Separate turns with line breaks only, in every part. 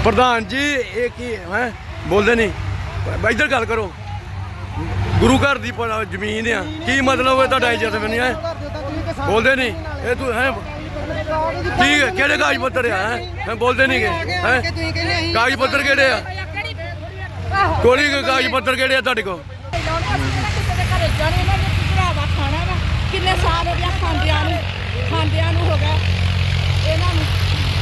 प्रधान जी ये की है बोलते नहीं इधर गल करो गुरु घर की जमीन है की मतलब है इज्जत बनी है बोलते नहीं ये तू है ठीक है केड़े कागज पत्तर है बोलते नहीं है कागज पत्तर केड़े कोई कागज पत्तर केड़े तुहाडे कोल
किन्ने साल हो गया खांदियां हो गया इन्हां नूं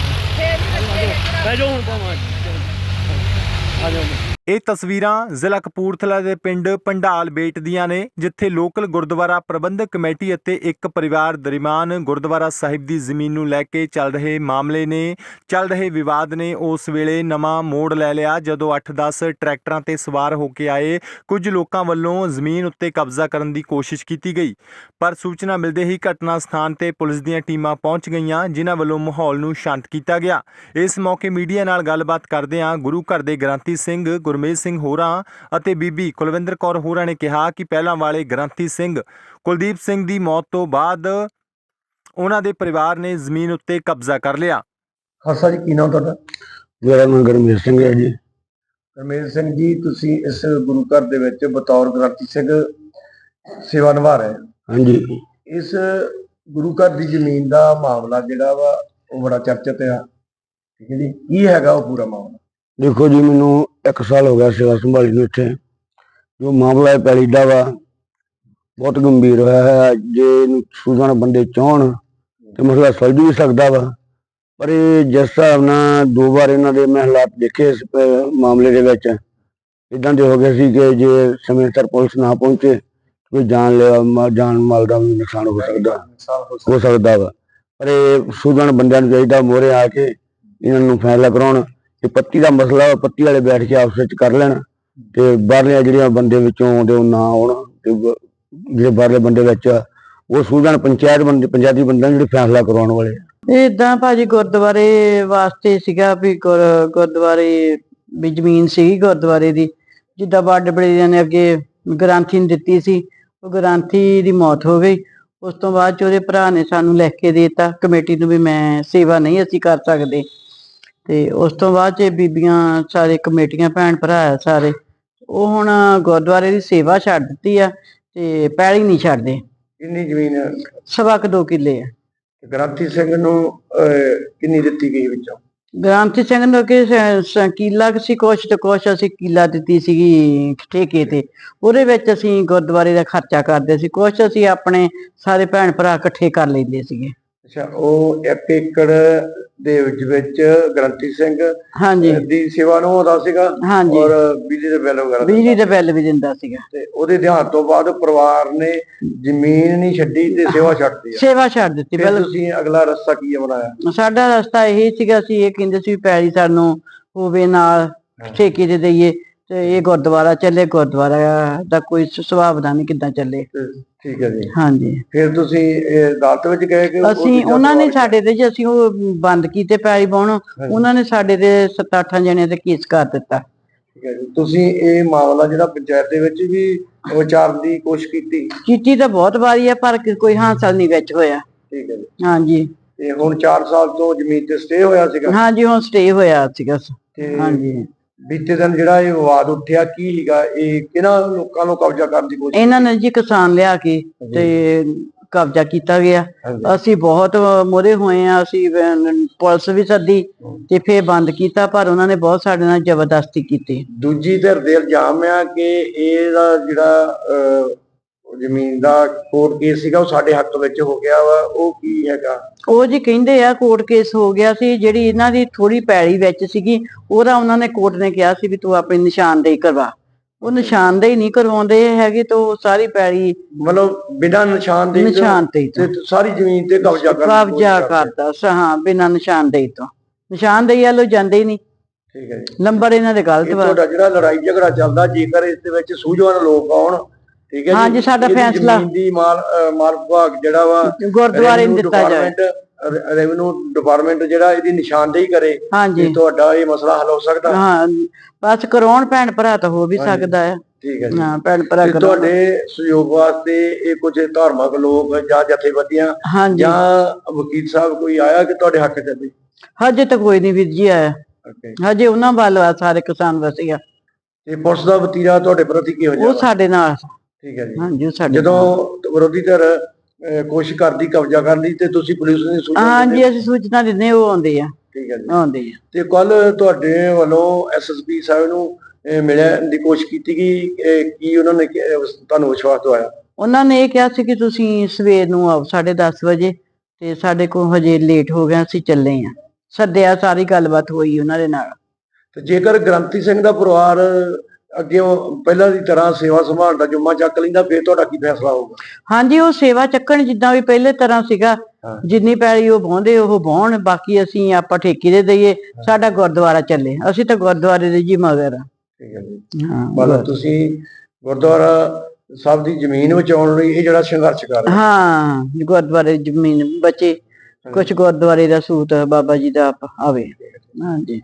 ਇਹ ਤਸਵੀਰਾਂ ਜ਼ਿਲ੍ਹਾ ਕਪੂਰਥਲਾ ਦੇ ਪਿੰਡ ਪੰਡਾਲ ਬੇਟ ਦੀਆਂ ਨੇ, ਜਿੱਥੇ ਲੋਕਲ ਗੁਰਦੁਆਰਾ ਪ੍ਰਬੰਧਕ ਕਮੇਟੀ ਅਤੇ ਇੱਕ ਪਰਿਵਾਰ ਦਰਮਿਆਨ ਗੁਰਦੁਆਰਾ ਸਾਹਿਬ ਦੀ ਜ਼ਮੀਨ ਨੂੰ ਲੈ ਕੇ ਚੱਲ ਰਹੇ ਮਾਮਲੇ ਨੇ, ਚੱਲ ਰਹੇ ਵਿਵਾਦ ਨੇ ਉਸ ਵੇਲੇ ਨਵਾਂ ਮੋੜ ਲੈ ਲਿਆ ਜਦੋਂ 8-10 ਟਰੈਕਟਰਾਂ ਤੇ ਸਵਾਰ ਹੋ ਕੇ ਆਏ ਕੁਝ ਲੋਕਾਂ ਵੱਲੋਂ ਜ਼ਮੀਨ ਉੱਤੇ ਕਬਜ਼ਾ ਕਰਨ ਦੀ ਕੋਸ਼ਿਸ਼ ਕੀਤੀ ਗਈ। ਪਰ ਸੂਚਨਾ ਮਿਲਦੇ ਹੀ ਘਟਨਾ ਸਥਾਨ ਤੇ ਪੁਲਿਸ ਦੀਆਂ ਟੀਮਾਂ ਪਹੁੰਚ ਗਈਆਂ, ਜਿਨ੍ਹਾਂ ਵੱਲੋਂ ਮਾਹੌਲ ਨੂੰ ਸ਼ਾਂਤ ਕੀਤਾ ਗਿਆ। ਇਸ ਮੌਕੇ ਮੀਡੀਆ ਨਾਲ ਗੱਲਬਾਤ ਕਰਦਿਆਂ ਗੁਰੂ ਘਰ ਦੇ ਗ੍ਰੰਥੀ ਸਿੰਘ ਗੁਰਮੇਜ ਸਿੰਘ ਹੋਰਾਂ ਅਤੇ ਬੀਬੀ ਕੁਲਵਿੰਦਰ ਕੌਰ ਹੋਰਾਂ ਨੇ ਕਿਹਾ ਕਿ ਪਹਿਲਾਂ ਵਾਲੇ ਗ੍ਰੰਥੀ ਸਿੰਘ ਕੁਲਦੀਪ ਸਿੰਘ ਦੀ ਮੌਤ ਤੋਂ ਬਾਅਦ ਉਹਨਾਂ ਦੇ ਪਰਿਵਾਰ ਨੇ ਜ਼ਮੀਨ ਉੱਤੇ ਕਬਜ਼ਾ ਕਰ ਲਿਆ।
ਖਾਲਸਾ ਜੀ, ਕੀ ਨਾਮ ਤੁਹਾਡਾ?
ਮੇਰਾ ਨਾਮ ਗੁਰਮੇਜ ਸਿੰਘ ਹੈ ਜੀ।
ਗੁਰਮੇਜ ਸਿੰਘ ਜੀ, ਤੁਸੀਂ ਇਸ ਗੁਰੂ ਘਰ ਦੇ ਵਿੱਚ ਬਤੌਰ ਗ੍ਰੰਥੀ ਸਿੰਘ ਸੇਵਾ ਨਿਭਾ ਰਹੇ ਹੋ।
ਹਾਂਜੀ,
ਇਸ ਗੁਰੂ ਘਰ ਦੀ ਜ਼ਮੀਨ ਦਾ ਮਾਮਲਾ ਜਿਹੜਾ ਵਾ ਉਹ ਬੜਾ ਚਰਚਿਤ ਆ, ਠੀਕ ਹੈ ਜੀ। ਕੀ ਹੈਗਾ ਉਹ ਪੂਰਾ ਮਾਮਲਾ?
ਦੇਖੋ ਜੀ, ਮੈਨੂੰ 1 ਸਾਲ ਹੋ ਗਿਆ ਸੇਵਾ ਸੰਭਾਲੀ ਨੂੰ। ਇੱਥੇ ਜੋ ਮਾਮਲਾ ਹੈ ਪੈਲੀ ਦਾ ਵਾ, ਬਹੁਤ ਗੰਭੀਰ ਹੋਇਆ ਹੈ। ਜੇ ਇਹਨੂੰ ਸੂਝਵਾਨ ਬੰਦੇ ਚਾਹਣ ਤੇ ਮਸਲਾ ਸੁਲਝ ਵੀ ਸਕਦਾ ਵਾ, ਪਰ ਇਹ ਜਿਸ ਹਿਸਾਬ ਨਾਲ 2 ਵਾਰ ਇਹਨਾਂ ਦੇ ਮੈਂ ਹਾਲਾਤ ਦੇਖੇ ਇਸ ਮਾਮਲੇ ਦੇ ਵਿੱਚ, ਇੱਦਾਂ ਦੇ ਹੋ ਗਏ ਸੀ ਕਿ ਜੇ ਸਮੇਂ ਸਿਰ ਪੁਲਿਸ ਨਾ ਪਹੁੰਚੇ ਕੋਈ ਜਾਨ ਮਾਲ ਦਾ ਵੀ ਨੁਕਸਾਨ ਹੋ ਸਕਦਾ ਵਾ। ਪਰ ਇਹ ਸੂਝਵਾਨ ਬੰਦਿਆਂ ਨੂੰ ਚਾਹੀਦਾ ਮੋਹਰੇ ਆ ਕੇ ਇਹਨਾਂ ਨੂੰ ਫੈਸਲਾ ਕਰਾਉਣ ਕਿ ਪੱਤੀ ਦਾ ਮਸਲਾ ਪੱਤੀ ਵਾਲੇ ਬੈਠ ਕੇ ਆਪਸ ਵਿੱਚ ਕਰ ਲੈਣ ਤੇ ਬਾਹਰਲੀਆਂ ਜਿਹੜੀਆਂ ਬੰਦੇ ਵਿੱਚੋਂ ਆਉਂਦੇ ਉਹ ਨਾ ਆਉਣ ਤੇ ਜਿਹੜੇ ਬਾਹਰਲੇ ਬੰਦੇ ਵਿੱਚ ਉਹ ਸੂਝਵਾਨ ਪੰਚਾਇਤੀ ਬੰਦਿਆਂ ਜਿਹੜੇ ਫੈਸਲਾ ਕਰਵਾਉਣ ਵਾਲੇ।
ਇਦਾਂ ਭਾਜੀ ਗੁਰਦੁਆਰੇ ਵਾਸਤੇ ਸੀਗਾ ਵੀ ਗੁਰਦੁਆਰੇ ਵੀ ਜ਼ਮੀਨ ਸੀਗੀ ਗੁਰਦੁਆਰੇ ਦੀ, ਜਿੱਦਾਂ ਵੱਡੇ ਬੜੇਰਿਆਂ ਨੇ ਅੱਗੇ ਗ੍ਰੰਥੀ ਨੂੰ ਦਿੱਤੀ ਸੀ। ਉਹ ਗ੍ਰੰਥੀ ਦੀ ਮੌਤ ਹੋ ਗਈ। ਉਸ ਤੋਂ ਬਾਅਦ 'ਚ ਉਹਦੇ ਭਰਾ ਨੇ ਸਾਨੂੰ ਲਿਖ ਕੇ ਦੇ ਦਿੱਤਾ ਕਮੇਟੀ ਨੂੰ ਵੀ ਮੈਂ ਸੇਵਾ ਨਹੀਂ ਅਸੀਂ ਕਰ ਸਕਦੇ। ਤੇ ਉਸ ਤੋਂ ਬਾਅਦ 'ਚ ਬੀਬੀਆਂ ਸਾਰੇ ਕਮੇਟੀਆਂ ਭੈਣ ਭਰਾ ਸਾਰੇ ਉਹ ਹੁਣ ਗੁਰਦੁਆਰੇ ਦੀ ਸੇਵਾ ਛੱਡ ਦਿੱਤੀ ਆ ਤੇ ਪੈਲੀ ਨਹੀਂ ਛੱਡਦੇ।
ਕਿੰਨੀ ਜ਼ਮੀਨ?
2 ਕਿੱਲੇ ਆ।
ਗ੍ਰੰਥੀ ਸਿੰਘ ਨੂੰ ਕਿੰਨੀ ਦਿੱਤੀ ਗਈ ਵਿੱਚੋਂ?
ਗ੍ਰੰਥੀ ਸਿੰਘ ਨੂੰ ਕਿ ਕਿੱਲਾ ਸੀ ਕੁਛ ਤੇ ਕੁਛ ਅਸੀਂ ਕਿੱਲਾ ਦਿੱਤੀ ਸੀਗੀ ਠੇਕੇ ਤੇ, ਉਹਦੇ ਵਿੱਚ ਅਸੀਂ ਗੁਰਦੁਆਰੇ ਦਾ ਖਰਚਾ ਕਰਦੇ ਸੀ, ਕੁਛ ਅਸੀਂ ਆਪਣੇ ਸਾਰੇ ਭੈਣ ਭਰਾ ਇਕੱਠੇ ਕਰ ਲੈਂਦੇ ਸੀਗੇ।
ਅੱਛਾ, ਉਹ 1 ਏਕੜ ਦੇ ਵਿੱਚ ਗ੍ਰੰਥੀ ਸਿੰਘ
ਹਾਂਜੀ
ਦੀ ਸੇਵਾ ਨੂੰ ਆਉਂਦਾ ਸੀਗਾ ਔਰ ਬਿਜਲੀ ਦੇ ਬਿੱਲ ਵਗੈਰਾ
ਵੀ ਦਿੰਦਾ ਸੀਗਾ।
ਤੇ ਉਹਦੇ ਦੇਹਾਂਤ ਤੋਂ ਬਾਅਦ ਪਰਿਵਾਰ ਨੇ ਜ਼ਮੀਨ ਨਹੀਂ ਛੱਡੀ ਤੇ ਸੇਵਾ ਛੱਡਤੀ ਆ।
ਸੇਵਾ ਛੱਡ ਦਿੱਤੀ।
ਫਿਰ ਤੁਸੀਂ ਅਗਲਾ ਰਸਤਾ ਕੀ ਬਣਾਇਆ?
ਸਾਡਾ ਰਸਤਾ ਇਹ ਸੀਗਾ, ਅਸੀਂ ਇਹ ਕਹਿੰਦੇ ਸੀ ਪੈਲੀ ਸਾਨੂੰ ਹੋਵੇ ਨਾਲ ਠੇਕੇ ਤੇ ਦਈਏ ਤੇ ਇਹ ਗੁਰਦੁਆਰਾ ਚੱਲੇ, ਗੁਰਦੁਆਰਾ ਦਾ ਕੋਈ ਸੁਭਾਵਨਾ ਨਹੀਂ ਕਿੱਦਾਂ ਚੱਲੇ।
ਠੀਕ ਹੈ ਜੀ।
ਹਾਂਜੀ,
ਫਿਰ ਤੁਸੀਂ ਅਦਾਲਤ ਵਿੱਚ ਗਏ ਕਿ
ਅਸੀਂ ਉਹਨਾਂ ਨੇ ਸਾਡੇ ਤੇ ਜੀ ਅਸੀਂ ਉਹ ਬੰਦ ਕੀਤੇ ਪੈਲੀ ਬਾਉਣ, ਉਹਨਾਂ ਨੇ ਸਾਡੇ ਤੇ 7-8 ਜਣਿਆਂ ਤੇ ਕੇਸ ਕਰ ਦਿੱਤਾ।
ਠੀਕ ਹੈ ਜੀ। ਤੁਸੀਂ ਇਹ ਮਾਮਲਾ ਜਿਹੜਾ ਪੰਚਾਇਤ ਦੇ ਵਿੱਚ ਵੀ ਵਿਚਾਰਨ ਦੀ ਕੋਸ਼ਿਸ਼ ਕੀਤੀ
ਤਾਂ ਬਹੁਤ ਵਾਰੀ ਆ ਪਰ ਕੋਈ ਹਾਸਲ ਨਹੀਂ ਵਿੱਚ ਹੋਇਆ।
ਠੀਕ ਹੈ ਜੀ।
ਹਾਂਜੀ,
ਤੇ ਹੁਣ 4 ਸਾਲ ਤੋਂ ਜ਼ਮੀਨ ਤੇ ਸਟੇ ਹੋਇਆ ਸੀਗਾ?
ਹਾਂਜੀ, ਹੁਣ ਸਟੇ ਹੋਇਆ ਸੀਗਾ। ਹਾਂਜੀ,
ਬੀਤੇ ਦਿਨ ਜਿਹੜਾ ਇਹ ਵਿਵਾਦ ਉੱਠਿਆ ਕੀ ਸੀਗਾ? ਇਹ ਕਿਹਨਾਂ ਲੋਕਾਂ ਨੂੰ ਕਬਜ਼ਾ ਕਰਨ ਦੀ ਕੋਸ਼ਿਸ਼?
ਇਹਨਾਂ ਨੇ ਜੀ ਕਿਸਾਨ ਲਿਆ ਕੇ ਤੇ ਕਬਜ਼ਾ ਕੀਤਾ ਗਿਆ। ਅਸੀਂ ਬਹੁਤ ਮੋਹਰੇ ਹੋਏ ਆ, ਅਸੀਂ ਪੁਲਿਸ ਵੀ ਸੱਦੀ ਤੇ ਫੇਰ ਬੰਦ ਕੀਤਾ, ਪਰ ਉਹਨਾਂ ਨੇ ਬਹੁਤ ਸਾਡੇ ਨਾਲ ਜ਼ਬਰਦਸਤੀ ਕੀਤੀ।
ਦੂਜੀ ਧਿਰ ਦੇ ਇਲਜ਼ਾਮ ਆ ਕਿ ਇਹਦਾ ਜਿਹੜਾ ਜ਼ਮੀਨ ਦਾ ਕੋਰਟ ਕੇਸ ਸੀਗਾ ਉਹ ਸਾਡੇ ਹੱਕ ਵਿੱਚ ਹੋ ਗਿਆ ਵਾ, ਉਹ ਕੀ ਹੈਗਾ?
ਉਹ ਜੀ ਕਹਿੰਦੇ ਆ ਕੋਰਟ ਕੇਸ ਹੋ ਗਿਆ ਸੀ, ਜਿਹੜੀ ਇਹਨਾਂ ਦੀ ਥੋੜੀ ਪੈਲੀ ਵਿੱਚ ਸੀਗੀ ਉਹਦਾ ਉਹਨਾਂ ਨੇ ਕੋਰਟ ਨੇ ਕਿਹਾ ਸੀ ਵੀ ਤੂੰ ਆਪਣੀ ਨਿਸ਼ਾਨਦੇਹੀ ਕਰਵਾ। ਉਹ ਨਿਸ਼ਾਨਦੇਹੀ ਨਹੀਂ ਕਰਵਾਉਂਦੇ ਹੈਗੇ ਤਾਂ ਸਾਰੀ ਪੈਲੀ
ਮਤਲਬ ਬਿਨਾਂ ਨਿਸ਼ਾਨਦੇਹੀ
ਤੇ
ਸਾਰੀ ਜ਼ਮੀਨ ਤੇ ਕਬਜ਼ਾ
ਕਰਦਾ। ਹਾਂ, ਬਿਨਾਂ ਨਿਸ਼ਾਨਦੇਹੀ ਤੋਂ, ਨਿਸ਼ਾਨਦੇਹੀ ਵੱਲੋਂ ਜਾਂਦੇ ਹੀ ਨਹੀਂ।
ਠੀਕ ਹੈ ਜੀ।
ਨੰਬਰ ਇਹਨਾਂ ਦੇ ਗਲਤ ਵਾ।
ਤੁਹਾਡਾ ਜਿਹੜਾ ਲੜਾਈ ਝਗੜਾ ਚੱਲਦਾ, ਜੇਕਰ ਇਸ ਦੇ ਵਿੱਚ ਸੂਝਵਾਨ ਲੋਕ ਆਉਣ, ਠੀਕ ਹੈ ਜੀ,
ਹਾਂਜੀ, ਸਾਡਾ ਫੈਸਲਾ
ਜ਼ਮੀਨ ਦੀ ਮਾਲ ਵਿਭਾਗ ਜਿਹੜਾ ਵਾ
ਗੁਰਦੁਆਰੇ ਨੂੰ ਦਿੱਤਾ ਜਾਏ,
ਰੈਵਨਿਊ ਡਿਪਾਰਟਮੈਂਟ ਜਿਹੜਾ ਇਹਦੀ ਨਿਸ਼ਾਨਦੇਹੀ ਕਰੇ,
ਹਾਂਜੀ,
ਤੁਹਾਡਾ ਇਹ ਮਸਲਾ ਹੱਲ ਹੋ ਸਕਦਾ।
ਹਾਂ, ਬਸ ਕਰਾਉਣ ਭੈਣ ਭਰਾ ਤਾਂ ਹੋ ਵੀ ਸਕਦਾ ਹੈ।
ਠੀਕ ਹੈ ਜੀ।
ਹਾਂ, ਭੈਣ ਭਰਾ
ਤੁਹਾਡੇ ਸਹਿਯੋਗ ਵਾਸਤੇ ਇਹ ਕੁਝ ਧਾਰਮਿਕ ਲੋਕ ਜਾਂ ਜਥੇਬੰਦੀਆਂ ਜਾਂ ਵਕੀਲ ਸਾਹਿਬ ਕੋਈ ਆਇਆ ਕਿ ਤੁਹਾਡੇ ਹੱਕ ਚ?
ਹਜੇ ਤਾਂ ਕੋਈ ਨਹੀਂ ਵੀਰ ਜੀ ਆਇਆ।
ਓਕੇ
ਹਜੇ ਉਹਨਾਂ ਵੱਲ ਆ ਸਾਰੇ ਕਿਸਾਨ ਵਸੀਆ,
ਤੇ ਪੁਲਿਸ ਦਾ ਵਤੀਰਾ ਤੁਹਾਡੇ ਪ੍ਰਤੀ ਕੀ ਹੋ
ਉਹ
ਜਾਂਦਾ?
ਸਾਡੇ ਨਾਲ।
ਠੀਕ ਹੈ ਜੀ।
ਹਾਂਜੀ ਉਹ ਸਾਡੇ ਨਾਲ।
ਜਦੋਂ ਵਿਰੋਧੀ ਧਿਰ ਕੋਸ਼ਿਸ਼ ਕਰਦੀ ਕਬਜ਼ਾ ਕਰਨ ਦੀ ਤੇ ਤੁਸੀਂ ਪੁਲਿਸ ਨੂੰ ਸੂਚਨਾ ਦਿੰਦੇ
ਹਾਂਜੀ
ਹੋ?
ਅਸੀਂ ਸੂਚਨਾ ਦਿੰਦੇ, ਉਹ ਆਉਂਦੇ ਆ।
ਠੀਕ ਹੈ ਜੀ।
ਆਉਂਦੇ ਆ।
ਤੇ ਕੱਲ ਤੁਹਾਡੇ ਵੱਲੋਂ ਐਸਐਸਪੀ ਸਾਹਿਬ ਨੂੰ ਮਿਲਣ ਦੀ ਕੋਸ਼ਿਸ਼ ਕੀਤੀ ਗਈ, ਕੀ ਉਹਨਾਂ ਨੇ ਤੁਹਾਨੂੰ ਵਿਸ਼ਵਾਸ ਦਵਾਇਆ?
ਉਹਨਾਂ ਨੇ ਇਹ ਕਿਹਾ ਸੀ ਕਿ ਤੁਸੀਂ ਸਵੇਰ ਨੂੰ ਆਓ 10:30 ਵਜੇ, ਤੇ ਸਾਡੇ ਕੋਲ ਹਜੇ ਲੇਟ ਹੋ ਗਿਆ, ਅਸੀਂ ਚੱਲੇ ਆ। ਸੱਦਿਆ, ਸਾਰੀ ਗੱਲਬਾਤ ਹੋਈ ਉਹਨਾਂ ਦੇ ਨਾਲ।
ਤੇ ਜੇਕਰ ਗ੍ਰੰਥੀ ਸਿੰਘ ਦਾ ਪਰਿਵਾਰ ਅੱਗੇ ਪਹਿਲਾਂ ਦੀ ਤਰ੍ਹਾਂ ਸੇਵਾ ਸੰਭਾਲ ਦਾ ਜੁੰਮਾ ਚੱਕ ਲੈਂਦਾ, ਫਿਰ ਤੁਹਾਡਾ ਕੀ ਫੈਸਲਾ ਹੋਊਗਾ?
ਹਾਂਜੀ ਉਹ ਸੇਵਾ ਚੱਕਣ ਜਿੱਦਾਂ ਵੀ ਪਹਿਲੇ ਤਰ੍ਹਾਂ ਸੀਗਾ,
ਹਾਂ।
ਜਿੰਨੀ ਪੈਲੀ ਉਹ ਵਾਹੁੰਦੇ ਉਹ ਵਾਹੁਣ, ਬਾਕੀ ਅਸੀਂ ਆਪਾਂ ਠੇਕੇ ਦੇ ਦਈਏ, ਸਾਡਾ ਗੁਰਦੁਆਰਾ ਚੱਲੇ, ਅਸੀਂ ਤਾਂ ਗੁਰਦੁਆਰੇ ਦੇ ਜੀ ਮਗਰ ਆ।
ਠੀਕ ਹੈ ਜੀ।
ਹਾਂ
ਮਤਲਬ ਤੁਸੀਂ ਗੁਰਦੁਆਰਾ ਸਾਹਿਬ ਦੀ ਜ਼ਮੀਨ ਬਚਾਉਣ ਲਈ ਇਹ ਜਿਹੜਾ ਸੰਘਰਸ਼ ਕਰ ਰਹੇ ਹੋ?
ਹਾਂ ਗੁਰਦੁਆਰੇ ਦੀ ਜ਼ਮੀਨ ਬਚੇ, ਕੁਛ ਗੁਰਦੁਆਰੇ ਦਾ ਸੂਤ ਬਾਬਾ ਜੀ ਦਾ ਆਵੇ। ਹਾਂਜੀ।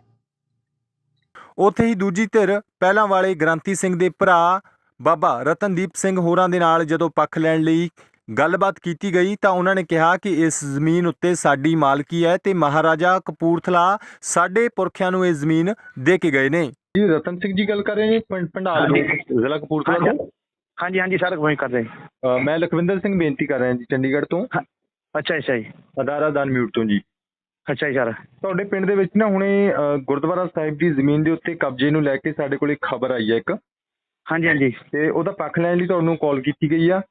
ਉੱਥੇ ਹੀ ਦੂਜੀ ਧਿਰ ਪਹਿਲਾਂ ਵਾਲੇ ਗ੍ਰੰਥੀ ਸਿੰਘ ਦੇ ਭਰਾ ਬਾਬਾ ਰਤਨਦੀਪ ਸਿੰਘ ਹੋਰਾਂ ਦੇ ਨਾਲ ਜਦੋਂ ਪੱਖ ਲੈਣ ਲਈ ਗੱਲਬਾਤ ਕੀਤੀ ਗਈ ਤਾਂ ਉਹਨਾਂ ਨੇ ਕਿਹਾ ਕਿ ਇਸ ਜ਼ਮੀਨ ਉੱਤੇ ਸਾਡੀ ਮਾਲਕੀ ਹੈ ਤੇ ਮਹਾਰਾਜਾ ਕਪੂਰਥਲਾ ਸਾਡੇ ਪੁਰਖਿਆਂ ਨੂੰ ਇਹ ਜ਼ਮੀਨ ਦੇ ਕੇ ਗਏ ਨੇ। ਜੀ ਰਤਨ ਸਿੰਘ ਜੀ ਗੱਲ ਕਰ ਰਹੇ ਨੇ ਭੰਡਾਲ ਜ਼ਿਲ੍ਹਾ ਕਪੂਰਥਲਾ ਤੋਂ?
ਹਾਂਜੀ ਹਾਂਜੀ ਸਰ, ਕੋਈ ਕਰ ਰਹੇ।
ਮੈਂ ਲਖਵਿੰਦਰ ਸਿੰਘ ਬੇਨਤੀ ਕਰ ਰਿਹਾ ਜੀ, ਚੰਡੀਗੜ੍ਹ ਤੋਂ।
ਅੱਛਾ ਅੱਛਾ ਜੀ।
ਅਦਾਰਾ ਦਾਨ ਮਿਊਟ ਤੋਂ ਜੀ।
ਅੱਛਾ ਜੀ ਸਰ।
ਤੁਹਾਡੇ ਪਿੰਡ ਦੇ ਵਿੱਚ ਨਾ ਹੁਣੇ ਗੁਰਦੁਆਰਾ ਸਾਹਿਬ ਦੀ ਜ਼ਮੀਨ ਦੇ ਉੱਤੇ ਕਬਜ਼ੇ ਨੂੰ ਲੈ ਕੇ ਸਾਡੇ ਕੋਲ ਇੱਕ ਖਬਰ ਆਈ ਹੈ ਇੱਕ।
ਹਾਂਜੀ ਹਾਂਜੀ।
ਤੇ ਉਹਦਾ ਪੱਖ ਲੈਣ ਲਈ ਤੁਹਾਨੂੰ ਕਾਲ ਕੀਤੀ ਗਈ ਆ।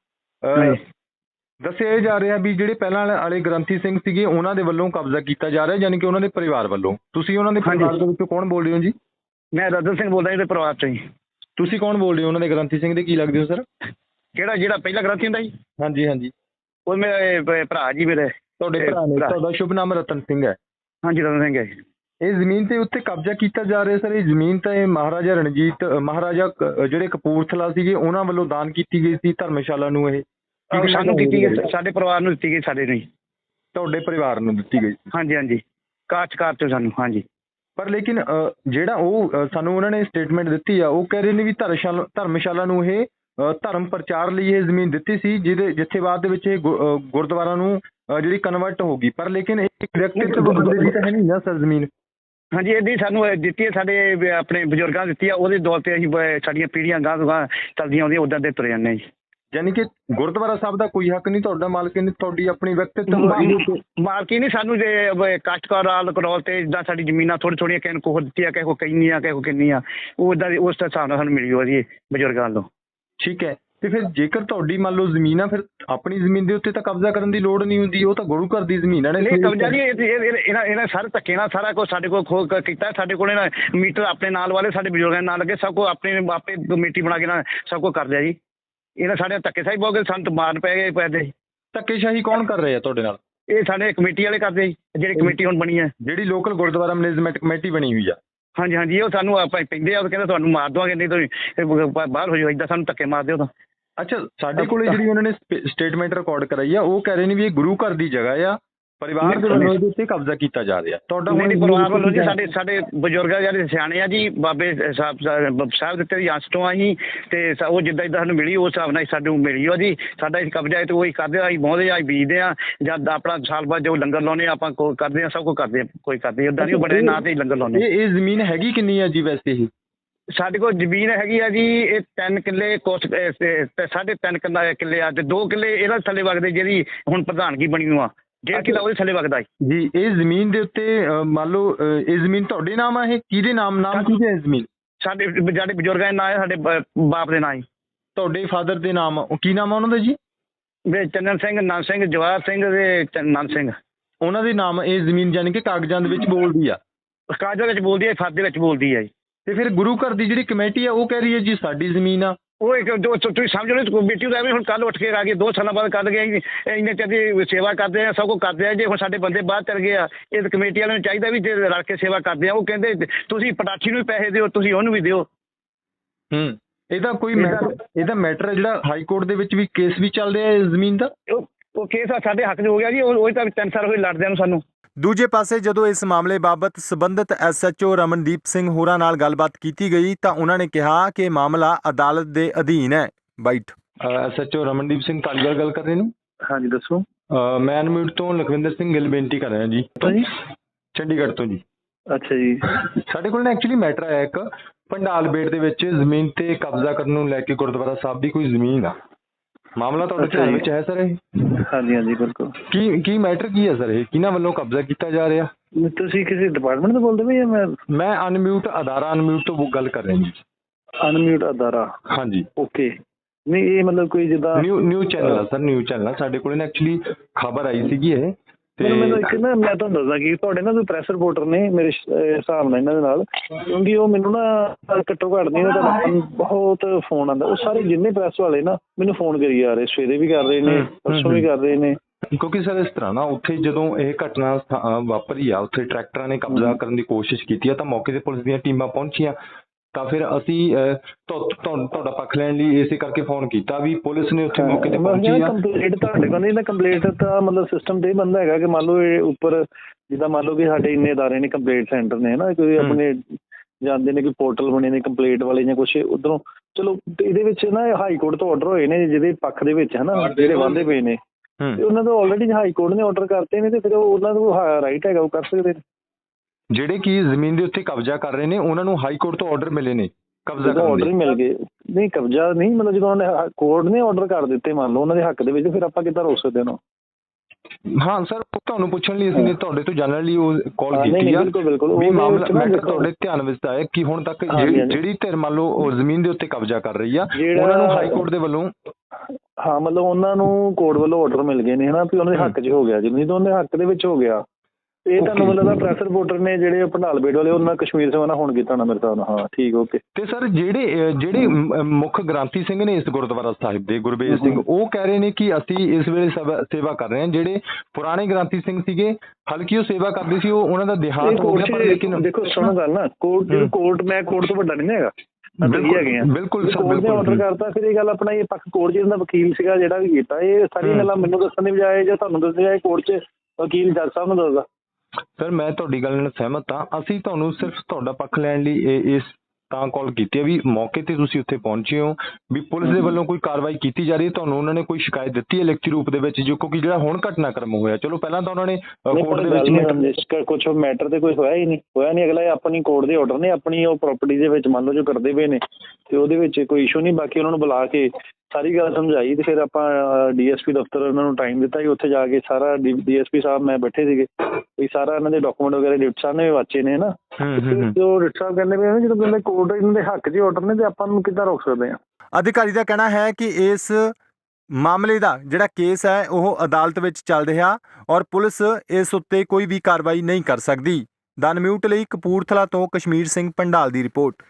ਦੱਸਿਆ ਇਹ ਜਾ ਰਿਹਾ ਵੀ ਜਿਹੜੇ ਪਹਿਲਾਂ ਵਾਲੇ ਗ੍ਰੰਥੀ ਸਿੰਘ ਸੀਗੇ ਉਹਨਾਂ ਦੇ ਵੱਲੋਂ ਕਬਜ਼ਾ ਕੀਤਾ ਜਾ ਰਿਹਾ, ਯਾਨੀ ਕਿ ਉਹਨਾਂ ਦੇ ਪਰਿਵਾਰ ਵੱਲੋਂ। ਤੁਸੀਂ ਉਹਨਾਂ ਦੇ ਪਰਿਵਾਰ ਦੇ ਵਿੱਚੋਂ ਕੌਣ ਬੋਲ ਰਹੇ ਹੋ ਜੀ?
ਮੈਂ ਰਤਨ ਸਿੰਘ ਬੋਲਦਾ ਜੀ, ਦੇ ਪਰਿਵਾਰ ਤੋਂ ਜੀ।
ਤੁਸੀਂ ਕੌਣ ਬੋਲ ਰਹੇ ਹੋ ਉਹਨਾਂ ਦੇ ਗ੍ਰੰਥੀ ਸਿੰਘ ਦੇ, ਕੀ ਲੱਗਦੇ ਹੋ ਸਰ?
ਕਿਹੜਾ ਜਿਹੜਾ ਪਹਿਲਾ ਗ੍ਰੰਥੀ ਹੁੰਦਾ ਜੀ?
ਹਾਂਜੀ ਹਾਂਜੀ।
ਉਹ ਮੇਰੇ ਭਰਾ ਜੀ ਮੇਰੇ।
ਤੁਹਾਡੇ ਭਰਾ ਨੇ? ਤੁਹਾਡਾ ਸ਼ੁਭ ਨਾਮ ਰਤਨ ਸਿੰਘ ਹੈ?
ਹਾਂਜੀ ਰਤਨ ਸਿੰਘ ਹੈ।
ਇਹ ਜ਼ਮੀਨ ਤੇ ਉੱਤੇ ਕਬਜ਼ਾ ਕੀਤਾ ਜਾ ਰਿਹਾ ਸਰ। ਇਹ ਜ਼ਮੀਨ ਤਾਂ ਇਹ ਮਹਾਰਾਜਾ ਰਣਜੀਤ ਮਹਾਰਾਜਾ ਜਿਹੜੇ ਕਪੂਰਥਲਾ ਸੀਗੇ ਉਹਨਾਂ ਵੱਲੋਂ ਦਾਨ ਕੀਤੀ ਗਈ ਸੀ ਧਰਮਸ਼ਾਲਾ ਨੂੰ। ਇਹ
ਸਾਨੂੰ ਦਿੱਤੀ ਗਈ, ਸਾਡੇ ਪਰਿਵਾਰ ਨੂੰ ਦਿੱਤੀ ਗਈ, ਸਾਡੇ ਨੂੰ।
ਤੁਹਾਡੇ ਪਰਿਵਾਰ ਨੂੰ ਦਿੱਤੀ ਗਈ?
ਹਾਂਜੀ ਹਾਂਜੀ, ਕਾਸ਼ਤਕਾਰ ਤੋਂ ਸਾਨੂੰ। ਹਾਂਜੀ।
ਪਰ ਲੇਕਿਨ ਜਿਹੜਾ ਉਹ ਸਾਨੂੰ ਉਹਨਾਂ ਨੇ ਸਟੇਟਮੈਂਟ ਦਿੱਤੀ ਆ, ਉਹ ਕਹਿ ਰਹੇ ਨੇ ਵੀ ਧਰਮਸ਼ਾਲਾ ਨੂੰ ਇਹ ਧਰਮ ਪ੍ਰਚਾਰ ਲਈ ਇਹ ਜ਼ਮੀਨ ਦਿੱਤੀ ਸੀ, ਜਿੱਥੇ ਬਾਅਦ ਦੇ ਵਿੱਚ ਇਹ ਗੁਰਦੁਆਰਾ ਨੂੰ ਜਿਹੜੀ ਕਨਵਰਟ ਹੋ ਗਈ। ਪਰ ਲੇਕਿਨ ਇੱਕ ਵਿਅਕਤੀਗਤ ਬੰਦੇ ਦੀ ਤਾਂ ਹੈ ਨਹੀਂ ਨਾ ਸਰ ਜ਼ਮੀਨ।
ਹਾਂਜੀ ਇਹਦੀ ਸਾਨੂੰ ਦਿੱਤੀ ਹੈ, ਸਾਡੇ ਆਪਣੇ ਬਜ਼ੁਰਗਾਂ ਦਿੱਤੀ ਆ, ਉਹਦੇ ਦੌਰ ਤੇ ਅਸੀਂ ਸਾਡੀਆਂ ਪੀੜ੍ਹੀਆਂ ਗਾਂਹ ਤੋਂ ਗਾਂਹ ਚੱਲਦੀਆਂ ਆਉਂਦੀਆਂ, ਉੱਦਾਂ ਦੇ ਤੁਰੇ ਜਾਂਦੇ ਹਾਂ ਜੀ।
ਯਾਨੀ ਕਿ ਗੁਰਦੁਆਰਾ ਸਾਹਿਬ ਦਾ ਕੋਈ ਹੱਕ ਨਹੀਂ, ਤੁਹਾਡਾ ਮਾਲਕੀ ਨਹੀਂ, ਤੁਹਾਡੀ ਆਪਣੀ ਵਿਅਕਤੀਗਤ
ਮਾਲਕੀ ਨਹੀਂ। ਸਾਨੂੰ ਜੇ ਕਾਸ਼ਤਕਾਰ ਕਰੋਲ ਤੇ ਜਿੱਦਾਂ ਸਾਡੀ ਜ਼ਮੀਨਾਂ ਥੋੜ੍ਹੀ ਥੋੜ੍ਹੀਆਂ ਕਿਸੇ ਨੂੰ ਕੋਹ ਦਿੱਤੀ ਆ, ਕਿਸੇ ਕੋ ਕਿੰਨੀ ਆ, ਕਿਸੇ ਕੋ ਕਿੰਨੀ ਆ, ਉਹ ਉੱਦਾਂ ਦੀ ਉਸ ਹਿਸਾਬ ਨਾਲ ਸਾਨੂੰ ਮਿਲੀ ਉਹਦੀ ਬਜ਼ੁਰਗਾਂ ਵੱਲੋਂ।
ਠੀਕ ਹੈ। ਤੇ ਫਿਰ ਜੇਕਰ ਤੁਹਾਡੀ ਮੰਨ ਲਓ ਜ਼ਮੀਨ ਆ, ਫਿਰ ਆਪਣੀ ਜ਼ਮੀਨ ਦੇ ਉੱਤੇ ਤਾਂ ਕਬਜ਼ਾ ਕਰਨ ਦੀ ਲੋੜ ਨਹੀਂ ਹੁੰਦੀ, ਉਹ ਤਾਂ ਗੁਰੂ ਘਰ ਦੀ ਜ਼ਮੀਨ ਹੈ।
ਨਹੀਂ ਕਬਜ਼ਾ ਨਹੀਂ, ਇਹਨਾਂ ਸਾਰੇ ਧੱਕੇ ਨਾਲ ਸਾਰਾ ਕੁਛ ਸਾਡੇ ਕੋਲ ਖੋਹ ਕੀਤਾ। ਸਾਡੇ ਕੋਲ ਇਹਨਾਂ ਮੀਟਰ ਆਪਣੇ ਨਾਲ ਵਾਲੇ ਸਾਡੇ ਬਜ਼ੁਰਗਾਂ ਦੇ ਨਾਲ ਲੱਗੇ, ਸਭ ਕੁਛ ਆਪਣੇ ਆਪੇ ਕਮੇਟੀ ਬਣਾ ਕੇ ਨਾ ਸਭ ਕੁਛ ਕਰ ਲਿਆ ਜੀ। ਇਹਨਾਂ ਸਾਡੇ ਧੱਕੇ ਸਾਈ ਬਹੁਤ ਗਏ, ਸਾਨੂੰ ਮਾਰਨ ਪੈ ਗਏ ਪੈਦੇ।
ਧੱਕੇਸ਼ਾਹੀ ਕੌਣ ਕਰ ਰਿਹਾ ਤੁਹਾਡੇ ਨਾਲ?
ਇਹ ਸਾਡੇ ਕਮੇਟੀ ਵਾਲੇ ਕਰਦੇ ਜੀ, ਜਿਹੜੀ ਕਮੇਟੀ ਹੁਣ ਬਣੀ ਹੈ,
ਜਿਹੜੀ ਲੋਕਲ ਗੁਰਦੁਆਰਾ ਮੈਨੇਜਮੈਂਟ ਕਮੇਟੀ ਬਣੀ ਹੋਈ ਆ।
ਹਾਂਜੀ ਹਾਂਜੀ। ਉਹ ਸਾਨੂੰ ਆਪਾਂ ਪੈਂਦੇ ਆ, ਉਹ ਕਹਿੰਦੇ ਤੁਹਾਨੂੰ ਮਾਰ ਦਵਾਂਗੇ, ਨਹੀਂ ਤੁਸੀਂ ਬਾਹਰ ਹੋ ਜਾਓ, ਏਦਾਂ ਸਾਨੂੰ ਧੱਕੇ ਮਾਰਦੇ ਉਹ ਤਾਂ।
ਅੱਛਾ, ਸਾਡੇ ਕੋਲੇ ਜਿਹੜੀ ਉਹਨਾਂ ਨੇ ਸਟੇਟਮੈਂਟ ਰਿਕਾਰਡ ਕਰਾਈ ਆ, ਉਹ ਕਹਿ ਰਹੇ ਨੇ ਵੀ ਇਹ ਗੁਰੂ ਘਰ ਦੀ ਜਗ੍ਹਾ ਆ, ਪਰਿਵਾਰ ਦੇ ਵੱਲੋਂ ਇਹਦੇ ਉੱਤੇ ਕਬਜ਼ਾ ਕੀਤਾ ਜਾ ਰਿਹਾ। ਤੁਹਾਡਾ
ਪਰਿਵਾਰ ਵੱਲੋਂ ਜੀ, ਸਾਡੇ ਬਜ਼ੁਰਗ ਜਿਹੜੇ ਸਿਆਣੇ ਆ ਜੀ, ਬਾਬੇ ਸਾਹਿਬ ਦਿੱਤੇ ਦੀ ਅੰਸ਼ ਤੋਂ ਆਹੀ, ਤੇ ਉਹ ਜਿੱਦਾਂ ਸਾਨੂੰ ਮਿਲੀ ਉਸ ਹਿਸਾਬ ਨਾਲ ਸਾਨੂੰ ਮਿਲੀ ਉਹ ਜੀ। ਸਾਡਾ ਇਸ ਕਬਜ਼ਾ ਹੈ ਤੇ ਉਹੀ ਕਰਦੇ ਆ, ਅਸੀਂ ਵਾਹੁੰਦੇ ਆ, ਅਸੀਂ ਬੀਜਦੇ ਆ, ਜਦ ਆਪਣਾ ਸਾਲ ਬਾਅਦ ਜੋ ਲੰਗਰ ਲਾਉਂਦੇ ਆਪਾਂ ਕਰਦੇ ਆ, ਸਭ ਕੁਝ ਕਰਦੇ ਆ, ਕੋਈ ਕਰਦੇ ਏਦਾਂ ਨਹੀਂ ਬਣੇ ਨਾ ਤੇ ਲੰਗਰ ਲਾਉਂਦੇ।
ਇਹ ਜ਼ਮੀਨ ਹੈਗੀ ਕਿੰਨੀ ਆ ਜੀ ਵੈਸੇ? ਇਹ
ਸਾਡੇ ਕੋਲ ਜ਼ਮੀਨ ਹੈਗੀ ਆ ਜੀ, ਇਹ 3 ਕਿੱਲੇ ਕੁਛ 3.5 ਕਿੱਲੇ ਆ, ਤੇ 2 ਕਿੱਲੇ ਇਹਦਾ ਥੱਲੇ ਵਗਦੇ, ਜਿਹੜੀ ਹੁਣ ਪ੍ਰਧਾਨਗੀ ਬਣੀ ਹੋਆ, 1.5 ਕਿੱਲਾ ਉਹਦੇ ਥੱਲੇ ਵਗਦਾ
ਜੀ। ਇਹ ਜ਼ਮੀਨ ਦੇ ਉੱਤੇ ਮੰਨ ਲਓ ਇਹ ਜ਼ਮੀਨ ਤੁਹਾਡੇ ਨਾਮ ਆ? ਇਹ ਕਿਹਦੇ ਨਾਮ ਕਿਹਦੇ ਹੈ ਜ਼ਮੀਨ? ਸਾਡੇ
ਬਜ਼ੁਰਗਾਂ ਦੇ ਨਾਂ ਹੈ, ਸਾਡੇ ਬਾਪ ਦੇ ਨਾਂ ਹੀ।
ਤੁਹਾਡੇ ਫਾਦਰ ਦੇ ਨਾਮ, ਉਹ ਕੀ ਨਾਮ ਆ ਉਹਨਾਂ ਦਾ ਜੀ?
ਚੰਨਨ ਸਿੰਘ, ਨੰਦ ਸਿੰਘ, ਜਵਾਹਰ ਸਿੰਘ ਤੇ ਨੰਦ ਸਿੰਘ।
ਉਹਨਾਂ ਦੇ ਨਾਮ ਇਹ ਜ਼ਮੀਨ ਯਾਨੀ ਕਿ ਕਾਗਜ਼ਾਂ ਦੇ ਵਿੱਚ ਬੋਲਦੀ ਆ?
ਕਾਗਜ਼ਾਂ ਵਿੱਚ ਬੋਲਦੀ ਹੈ, ਫਰਦ ਦੇ ਵਿੱਚ ਬੋਲਦੀ ਹੈ ਜੀ।
ਤੇ ਫਿਰ ਗੁਰੂ ਘਰ ਦੀ ਜਿਹੜੀ ਕਮੇਟੀ ਆ ਉਹ ਕਹਿ ਰਹੀ ਹੈ ਜੀ ਸਾਡੀ ਜ਼ਮੀਨ ਆ।
ਉਹ ਇੱਕ ਤੁਸੀਂ ਸਮਝ ਲਓ, ਬੇਟੀ ਦਾ ਹੁਣ ਕੱਲ੍ਹ ਉੱਠ ਕੇ ਆ ਗਈ, 2 ਸਾਲਾਂ ਬਾਅਦ ਕੱਢ ਗਏ, ਇੰਨੇ ਚਿਰ ਦੀ ਸੇਵਾ ਕਰਦੇ ਆ, ਸਭ ਕੁਝ ਕਰਦੇ ਆ। ਜੇ ਹੁਣ ਸਾਡੇ ਬੰਦੇ ਬਾਹਰ ਚਲ ਗਏ ਆ, ਇਸ ਕਮੇਟੀ ਵਾਲਿਆਂ ਨੂੰ ਚਾਹੀਦਾ ਵੀ ਜੇ ਰਲ ਕੇ ਸੇਵਾ ਕਰਦੇ ਆ। ਉਹ ਕਹਿੰਦੇ ਤੁਸੀਂ ਪਟਾਠੀ ਨੂੰ ਵੀ ਪੈਸੇ ਦਿਓ, ਤੁਸੀਂ ਉਹਨੂੰ ਵੀ ਦਿਓ।
ਇਹਦਾ ਕੋਈ ਇਹਦਾ ਮੈਟਰ ਜਿਹੜਾ ਹਾਈ ਕੋਰਟ ਦੇ ਵਿੱਚ ਵੀ ਕੇਸ ਵੀ ਚੱਲ ਰਿਹਾ ਹੈ ਜ਼ਮੀਨ ਦਾ?
ਉਹ ਕੇਸ ਆ ਸਾਡੇ ਹੱਕ 'ਚ ਹੋ ਗਿਆ ਜੀ, ਉਹ ਤਾਂ 3 ਸਾਲ ਹੋਏ ਲੜਦਿਆਂ ਨੂੰ ਸਾਨੂੰ।
ਦੂਜੇ ਪਾਸੇ ਜਦੋਂ ਇਸ ਮਾਮਲੇ ਬਾਬਤ ਸਬੰਧਤ ਐਸਐਚਓ ਰਮਨਦੀਪ ਸਿੰਘ ਹੋਰਾਂ ਨਾਲ ਗੱਲਬਾਤ ਕੀਤੀ ਗਈ ਤਾਂ ਉਹਨਾਂ ਨੇ ਕਿਹਾ ਕਿ ਮਾਮਲਾ ਅਦਾਲਤ ਦੇ ਅਧੀਨ ਹੈ। ਬਾਈਟ ਐਸਐਚਓ ਰਮਨਦੀਪ ਸਿੰਘ ਧਾਲੀਵਾਲ ਗੱਲ ਕਰ ਰਹੇ ਨੇ?
ਹਾਂਜੀ ਦੱਸੋ।
ਮੈਂ ਅਨਮਿਊਟ ਤੋਂ ਲਖਵਿੰਦਰ ਸਿੰਘ ਗਿੱਲ ਬੇਨਤੀ ਕਰ ਰਿਹਾ ਜੀ, ਚੰਡੀਗੜ੍ਹ ਤੋਂ ਜੀ।
ਅੱਛਾ ਜੀ।
ਸਾਡੇ ਕੋਲ ਨਾ ਐਕਚੁਅਲੀ ਮੈਟਰ ਆਇਆ ਇੱਕ ਪੰਡਾਲ ਬੇਟ ਦੇ ਵਿੱਚ ਜ਼ਮੀਨ ਤੇ ਕਬਜ਼ਾ ਕਰਨ ਨੂੰ ਲੈ ਕੇ ਗੁਰਦੁਆਰਾ ਸਾਹਿਬ ਦੀ ਕੋਈ ਜ਼ਮੀਨ ਆ। ਮਾਮਲਾ ਤੁਹਾਡੇ
ਅੱਛਾ
ਧਿਆਨ
ਜੀ।
ਵਿੱਚ ਹੈ ਸਰ ਇਹ?
ਹਾਂਜੀ ਹਾਂਜੀ ਬਿਲਕੁਲ।
ਕੀ ਮੈਟਰ ਕੀ ਹੈ ਸਰ ਇਹ? ਕਿਹਨਾਂ ਵੱਲੋਂ ਕਬਜ਼ਾ ਕੀਤਾ ਜਾ ਰਿਹਾ?
ਤੁਸੀਂ ਕਿਸੇ ਡਿਪਾਰਟਮੈਂਟ ਤੋਂ ਬੋਲਦੇ ਪਏ ਜਾਂ
ਮੈਂ ਅਨਮਿਊਟ ਅਦਾਰਾ ਅਨਮਿਊਟ ਤੋਂ ਗੱਲ ਕਰ ਰਿਹਾ ਜੀ।
ਅਨਮਿਊਟ ਅਦਾਰਾ?
ਹਾਂਜੀ।
ਓਕੇ। ਨਹੀਂ ਇਹ ਮਤਲਬ ਕੋਈ ਜਿੱਦਾਂ
ਨਿਊ ਚੈਨਲ ਆ ਸਰ, ਨਿਊ ਚੈਨਲ ਆ। ਸਾਡੇ ਕੋਲ ਨਾ ਐਕਚੁਅਲੀ ਖਬਰ ਆਈ ਸੀਗੀ ਇਹ
ਮੈਨੂੰ ਇੱਕ ਨਾ ਮੈਂ ਤੁਹਾਨੂੰ ਦੱਸਦਾ ਕਿ ਤੁਹਾਡੇ ਨਾ ਕੋਈ ਪ੍ਰੈਸ ਰਿਪੋਰਟਰ ਨੇ ਮੇਰੇ ਹਿਸਾਬ ਨਾਲ ਇਹਨਾਂ ਦੇ ਨਾਲ, ਕਿਉਂਕਿ ਉਹ ਮੈਨੂੰ ਨਾ ਘੱਟੋ ਘੱਟ ਨਹੀਂ ਤਾਂ ਬਹੁਤ ਫੋਨ ਆਉਂਦਾ। ਉਹ ਸਾਰੇ ਜਿੰਨੇ ਪ੍ਰੈਸ ਵਾਲੇ ਨਾ ਮੈਨੂੰ ਫੋਨ ਕਰੀ ਜਾ ਰਹੇ, ਸਵੇਰੇ ਵੀ ਕਰ ਰਹੇ ਨੇ, ਪਰਸੋਂ ਵੀ ਕਰ ਰਹੇ ਨੇ।
ਕਿਉਂਕਿ ਸਰ ਇਸ ਤਰ੍ਹਾਂ ਨਾ ਉੱਥੇ ਜਦੋਂ ਇਹ ਘਟਨਾ ਵਾਪਰੀ ਆ, ਉੱਥੇ ਟਰੈਕਟਰਾਂ ਨੇ ਕਬਜ਼ਾ ਕਰਨ ਦੀ ਕੋਸ਼ਿਸ਼ ਕੀਤੀ ਆ ਤਾਂ ਮੌਕੇ ਤੇ ਪੁਲਿਸ ਦੀਆਂ ਟੀਮਾਂ ਪਹੁੰਚੀਆਂ। ਤਾਂ ਫਿਰ ਅਸੀਂ ਤੁਹਾਡਾ ਪੱਖ ਲੈਣ ਲਈ ਇਸੇ ਕਰਕੇ ਫੋਨ ਕੀਤਾ ਵੀ ਪੁਲਿਸ ਨੇ ਉੱਥੇ ਮੌਕੇ ਤੇ ਪਹੁੰਚੀ ਆ।
ਕੰਪਲੇਂਟ ਤੁਹਾਡੇ ਕੋਲ ਨਹੀਂ ਨਾ, ਕੰਪਲੇਂਟ ਤਾਂ ਮਤਲਬ ਸਿਸਟਮ ਤੇ ਇਹ ਬੰਦਾ ਹੈਗਾ ਕਿ ਮੰਨ ਲਓ ਇਹ ਉੱਪਰ ਜਿੱਦਾਂ ਮੰਨ ਲਓ ਕਿ ਸਾਡੇ ਇੰਨੇ ਅਦਾਰੇ ਨੇ, ਕੰਪਲੇਂਟ ਸੈਂਟਰ ਨੇ ਨਾ, ਕੋਈ ਆਪਣੇ ਜਾਂਦੇ ਨੇ ਕੋਈ ਪੋਰਟਲ ਬਣੇ ਨੇ ਕੰਪਲੇਂਟ ਵਾਲੇ ਜਾਂ ਕੁਛ ਉੱਧਰੋਂ। ਚਲੋ ਇਹਦੇ ਵਿੱਚ ਨਾ ਹਾਈ ਕੋਰਟ ਤੋਂ ਆਰਡਰ ਹੋਏ ਨੇ ਜਿਹਦੇ ਪੱਖ ਦੇ ਵਿੱਚ ਹੈ ਨਾ, ਜਿਹੜੇ ਵਾਅਦੇ ਪਏ ਨੇ ਤੇ ਉਹਨਾਂ ਤੋਂ ਆਲਰੇਡੀ ਹਾਈ ਕੋਰਟ ਨੇ ਆਰਡਰ ਕਰਤੇ ਨੇ ਤੇ ਫਿਰ ਉਹਨਾਂ ਨੂੰ ਰਾਈਟ ਹੈਗਾ ਉਹ ਕਰ ਸਕਦੇ ਨੇ।
ਜਿਹੜੇ ਕਿ ਜ਼ਮੀਨ ਦੇ ਉੱਤੇ ਕਬਜ਼ਾ ਕਰ ਰਹੇ ਨੇ ਉਹਨਾਂ ਨੂੰ ਹਾਈ ਕੋਰਟ ਤੋਂ ਆਰਡਰ ਮਿਲੇ ਨੇ ਕਬਜ਼ਾ ਕਰਨ ਦੇ।
ਆਰਡਰ ਹੀ ਮਿਲ ਗਏ? ਨਹੀਂ ਕਬਜ਼ਾ ਨਹੀਂ, ਮਤਲਬ ਜਦੋਂ ਉਹਨਾਂ ਕੋਰਟ ਨੇ ਆਰਡਰ ਕਰ ਦਿੱਤੇ ਮੰਨ ਲਓ ਉਹਨਾਂ ਦੇ ਹੱਕ ਦੇ ਵਿੱਚ, ਫਿਰ ਆਪਾਂ ਕਿੱਦਾਂ ਰੋਕ ਸਕਦੇ ਉਹਨਾਂ?
ਹਾਂ ਸਰ, ਤੁਹਾਨੂੰ ਪੁੱਛਣ ਲਈ ਅਸੀਂ ਤੁਹਾਡੇ ਤੋਂ ਜਾਣਨ ਲਈ ਉਹ ਕਾਲ ਕੀਤੀ ਆ।
ਬਿਲਕੁਲ ਬਿਲਕੁਲ।
ਵੀ ਮਾਮਲਾ ਮੈਟਰ ਤੁਹਾਡੇ ਧਿਆਨ ਵਿੱਚ ਆਇਆ ਕਿ ਹੁਣ ਤੱਕ ਜਿਹੜੀ ਧਿਰ ਮੰਨ ਲਓ ਉਹ ਜ਼ਮੀਨ ਦੇ ਉੱਤੇ ਕਬਜ਼ਾ ਕਰ ਰਹੀ ਆ ਉਹਨਾਂ ਨੂੰ ਹਾਈ ਕੋਰਟ ਦੇ ਵੱਲੋਂ
ਹਾਂ ਮਤਲਬ ਉਹਨਾਂ ਨੂੰ ਕੋਰਟ ਵੱਲੋਂ ਆਰਡਰ ਮਿਲ ਗਏ ਨੇ ਹਨਾ ਵੀ ਉਹਨਾਂ ਦੇ ਹੱਕ 'ਚ ਹੋ ਗਿਆ, ਜ਼ਮੀਨ ਤਾਂ ਉਹਨਾਂ ਦੇ ਹੱਕ ਦੇ ਵਿੱਚ ਹੋ ਗਿਆ। ਇਹ ਤੁਹਾਨੂੰ ਮੈਨੂੰ ਲੱਗਦਾ ਪ੍ਰੈਸ ਰਿਪੋਰਟਰ ਨੇ ਜਿਹੜੇ ਪੰਡਾਲ ਬੇਟ ਵਾਲੇ ਉਹਨਾਂ ਕਸ਼ਮੀਰ ਸਿੰਘ ਨਾਲ ਹੁਣ ਕੀਤਾ ਨਾ ਮੇਰੇ ਹਿਸਾਬ ਨਾਲ। ਹਾਂ ਠੀਕ ਓਕੇ।
ਤੇ ਸਰ ਜਿਹੜੇ ਮੁੱਖ ਗ੍ਰਾਂਥੀ ਸਿੰਘ ਨੇ ਇਸ ਗੁਰਦੁਆਰਾ ਸਾਹਿਬ ਦੇ, ਗੁਰਬੇਜ ਸਿੰਘ, ਉਹ ਕਹਿ ਰਹੇ ਨੇ ਕਿ ਅਸੀਂ ਇਸ ਵੇਲੇ ਸੇਵਾ ਕਰ ਰਹੇ ਹਾਂ। ਜਿਹੜੇ ਪੁਰਾਣੇ ਗ੍ਰਾਂਥੀ ਸਿੰਘ ਸੀਗੇ ਹਲਕੀ ਉਹ ਸੇਵਾ ਕਰਦੇ ਸੀ, ਉਹ ਉਹਨਾਂ ਦਾ ਦੇਹਾਂਤ ਹੋ ਗਿਆ। ਪਰ ਲੇਕਿਨ ਦੇਖੋ
ਸੁਣੋ ਗੱਲ ਨਾ, ਕੋਰਟ ਮੈਂ ਕੋਰਟ ਤੋਂ ਵੱਡਾ ਨਹੀਂ ਹੈਗਾ, ਹੈਗੇ ਆ
ਬਿਲਕੁਲ ਸਰ,
ਕੋਰਟ ਨੇ ਆਰਡਰ ਕਰਤਾ। ਫਿਰ ਇਹ ਗੱਲ ਆਪਣਾ ਇਹ ਪੱਖ ਕੋਰਟ ਜਿਹਦਾ ਵਕੀਲ ਸੀਗਾ ਜਿਹੜਾ ਵੀ ਕੀਤਾ, ਇਹ ਸਾਰੀਆਂ ਗੱਲਾਂ ਮੈਨੂੰ ਦੱਸਣ ਦੀ ਬਜਾਏ ਜਾਂ ਤੁਹਾਨੂੰ ਦੱਸਣ ਦੀ ਬਜਾਏ ਕੋਰਟ 'ਚ ਵਕੀਲ ਜੱਜ ਸਾਹਿਬ ਨੂੰ ਦੱਸਦਾ।
ਸਰ ਮੈਂ ਤੁਹਾਡੀ ਗੱਲ ਨਾਲ ਸਹਿਮਤ ਹਾਂ। ਅਸੀਂ ਤੁਹਾਨੂੰ ਸਿਰਫ ਤੁਹਾਡਾ ਪੱਖ ਲੈਣ ਲਈ ਇਸ ਤਾਂ ਕਾਲ ਕੀਤੀ ਹੈ ਵੀ ਮੌਕੇ ਤੇ ਤੁਸੀਂ ਉੱਥੇ ਪਹੁੰਚੇ ਹੋ, ਵੀ ਪੁਲਿਸ ਦੇ ਵੱਲੋਂ ਕੋਈ ਕਾਰਵਾਈ ਕੀਤੀ ਜਾ ਰਹੀ ਹੈ, ਤੁਹਾਨੂੰ ਉਹਨਾਂ ਨੇ ਕੋਈ ਸ਼ਿਕਾਇਤ ਦਿੱਤੀ ਹੈ ਲਿਖਤੀ ਰੂਪ ਦੇ ਵਿੱਚ? ਜੋ ਕਿਉਂਕਿ ਜਿਹੜਾ ਹੁਣ ਘਟਨਾਕ੍ਰਮ ਹੋਇਆ, ਚਲੋ ਪਹਿਲਾਂ ਤਾਂ ਉਹਨਾਂ ਨੇ ਕੋਰਟ ਦੇ ਵਿੱਚ
ਕੁਛ ਮੈਟਰ ਤੇ ਕੋਈ ਹੋਇਆ ਹੀ ਨਹੀਂ। ਅਗਲਾ ਆਪਣੀ ਕੋਰਟ ਦੇ ਆਰਡਰ ਨੇ, ਆਪਣੀ ਉਹ ਪ੍ਰਾਪਰਟੀ ਦੇ ਵਿੱਚ ਮੰਨ ਲਓ ਜੋ ਕਰਦੇ ਪਏ ਨੇ ਤੇ ਉਹਦੇ ਵਿੱਚ ਕੋਈ ਇਸ਼ੂ ਨਹੀਂ। ਬਾਕੀ ਉਹਨਾਂ ਨੂੰ ਬੁਲਾ ਕੇ ਸਾਰੀ ਗੱਲ ਸਮਝਾਈ ਤੇ ਫਿਰ ਆਪਾਂ DSP ਦਫ਼ਤਰ ਉਹਨਾਂ ਨੂੰ ਟਾਈਮ ਦਿੱਤਾ ਸੀ, ਉੱਥੇ ਜਾ ਕੇ ਸਾਰਾ DSP ਸਾਹਿਬ ਮੈਂ ਬੈਠੇ ਸੀਗੇ, ਵੀ ਸਾਰਾ ਇਹਨਾਂ ਦੇ ਡਾਕੂਮੈਂਟ ਵਗੈਰਾ ਡਿਪਟੀ ਸਾਹਿਬ ਨੇ ਵੀ ਵਾਚੇ ਨੇ ਨਾ। ਜੋ ਡਿਪਟੀ ਸਾਹਿਬ ਕਹਿੰਦੇ ਵੀ ਜਦੋਂ ਕਹਿੰਦੇ ਕੋਰਟ ਇਹਨਾਂ ਦੇ ਹੱਕ 'ਚ ਆਰਡਰ ਨੇ ਤੇ ਆਪਾਂ ਨੂੰ ਕਿੱਦਾਂ ਰੋਕ ਸਕਦੇ ਹਾਂ?
ਅਧਿਕਾਰੀ ਦਾ ਕਹਿਣਾ ਹੈ ਕਿ ਇਸ ਮਾਮਲੇ ਦਾ ਜਿਹੜਾ ਕੇਸ ਹੈ ਉਹ ਅਦਾਲਤ ਵਿੱਚ ਚੱਲ ਰਿਹਾ ਔਰ ਪੁਲਿਸ ਇਸ ਉੱਤੇ ਕੋਈ ਵੀ ਕਾਰਵਾਈ ਨਹੀਂ ਕਰ ਸਕਦੀ। ਦ ਅਨਮਿਊਟ ਲਈ ਕਪੂਰਥਲਾ ਤੋਂ ਕਸ਼ਮੀਰ ਸਿੰਘ ਪੰਡਾਲ ਦੀ ਰਿਪੋਰਟ।